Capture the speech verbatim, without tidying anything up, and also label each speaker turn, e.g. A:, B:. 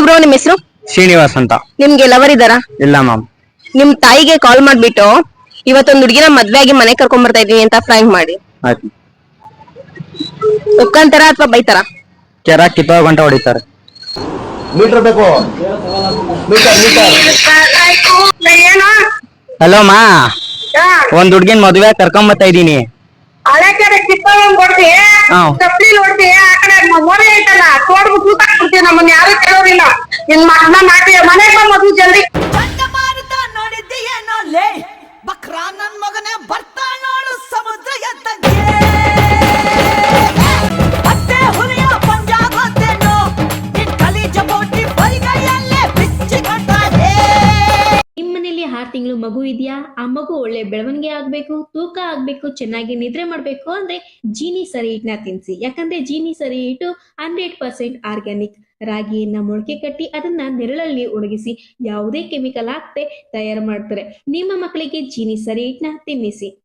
A: Bro, ನಿಮ್ ಹೆಸರು?
B: ಶ್ರೀನಿವಾಸ್ ಅಂತ.
A: ನಿಮ್ಗೆ ಲವರ್ ಇದಾರಾ?
B: ಇಲ್ಲ ಮ್ಯಾಮ್.
A: ನಿಮ್ ತಾಯಿಗೆ ಕಾಲ್ ಮಾಡ್ಬಿಟ್ಟು ಇವತ್ತೊಂದು ಹುಡುಗಿನ ಮದ್ವೆ ಆಗಿ ಮನೆ ಕರ್ಕೊಂಡ್ ಬರ್ತಾ ಇದೀನಿ ಅಂತ ಫ್ರಾಂಕ್ ಮಾಡಿ.
B: ಆಯ್ತು.
A: ಒಪ್ಕಂತಾರ ಅಥವಾ ಬೈತಾರ?
B: ಕೆರ ಕಿತ್ತೋ ಗಂಟೆ ಹೊಡಿತಾರೆ.
C: ಮೀಟರ್ ಬೇಕು.
B: ಹಲೋ ಮಾ, ಒಂದ್ ಹುಡ್ಗಿನ್ ಮದ್ವೆ ಕರ್ಕೊಂಡ್ ಬರ್ತಾ ಇದೀನಿ.
D: ಹಳೆ ಕಡೆ ಕಿತ್ತೋಗ್ ಕೊಡ್ತಿ, ಚಪ್ಪಲಿ ನೋಡ್ತಿ, ಆ ಕಡೆ ಮೋರೆ ಐತಲ್ಲ ತೋಡ್ಬಿಟ್ಟು ಕೂತಾಕ್ಬಿಡ್ತೀವಿ. ನಮ್ಮನ್ನ ಯಾರು ಕೇಳೋದಿಲ್ಲ. ನಿನ್ ಮಗನ ನಾಟಿ ಮನೆಗೆ ಬಾ ಮದು ಜಲ್ದಿ.
E: ಚಂಡಮಾರುತ ನೋಡಿದ್ದೀಯೇನೋ ಲೇ, ಬಕ್ರ ನನ್ ಮಗನೇ ಬರ್ತಾ ನೋಡು ಸಮುದ್ರ ಎದ್ದಂಗೆ. ಅತ್ತೆ ಹುಲಿಯ ಪಂಜಾಗೋತೇನೋ, ನಿನ್ ಕಲೀಜ ಬೋಟಿ ಬರಿಗೈಯಲ್ಲೇ ಬಿಚ್ಚಿಕೊಂಡಾಗೆ.
F: ನಿಮ್ಮನೇಲಿ ಆರು ತಿಂಗಳು ಮಗು ಇದೆಯಾ? ಆ ಮಗು ಒಳ್ಳೆ ಬೆಳವಣಿಗೆ ಆಗ್ಬೇಕು, ತೂಕ ಆಗ್ಬೇಕು, ಚೆನ್ನಾಗಿ ನಿದ್ರೆ ಮಾಡ್ಬೇಕು ಅಂದ್ರೆ ಜೀನಿ ಸರಿ ಹಿಟ್ನ ತಿನ್ಸಿ. ಯಾಕಂದ್ರೆ ಜೀನಿ ಸರಿ ಹಿಟ್ಟು ಹಂಡ್ರೆಡ್ ಪರ್ಸೆಂಟ್ ಆರ್ಗ್ಯಾನಿಕ್. ರಾಗಿಯನ್ನ ಮೊಳಕೆ ಕಟ್ಟಿ ಅದನ್ನ ನೆರಳಲ್ಲಿ ಒಣಗಿಸಿ ಯಾವುದೇ ಕೆಮಿಕಲ್ ಹಾಕದೆ ತಯಾರು ಮಾಡ್ತಾರೆ. ನಿಮ್ಮ ಮಕ್ಕಳಿಗೆ ಜೀನಿ ಸರಿ ಹಿಟ್ನ ತಿನ್ನಿಸಿ.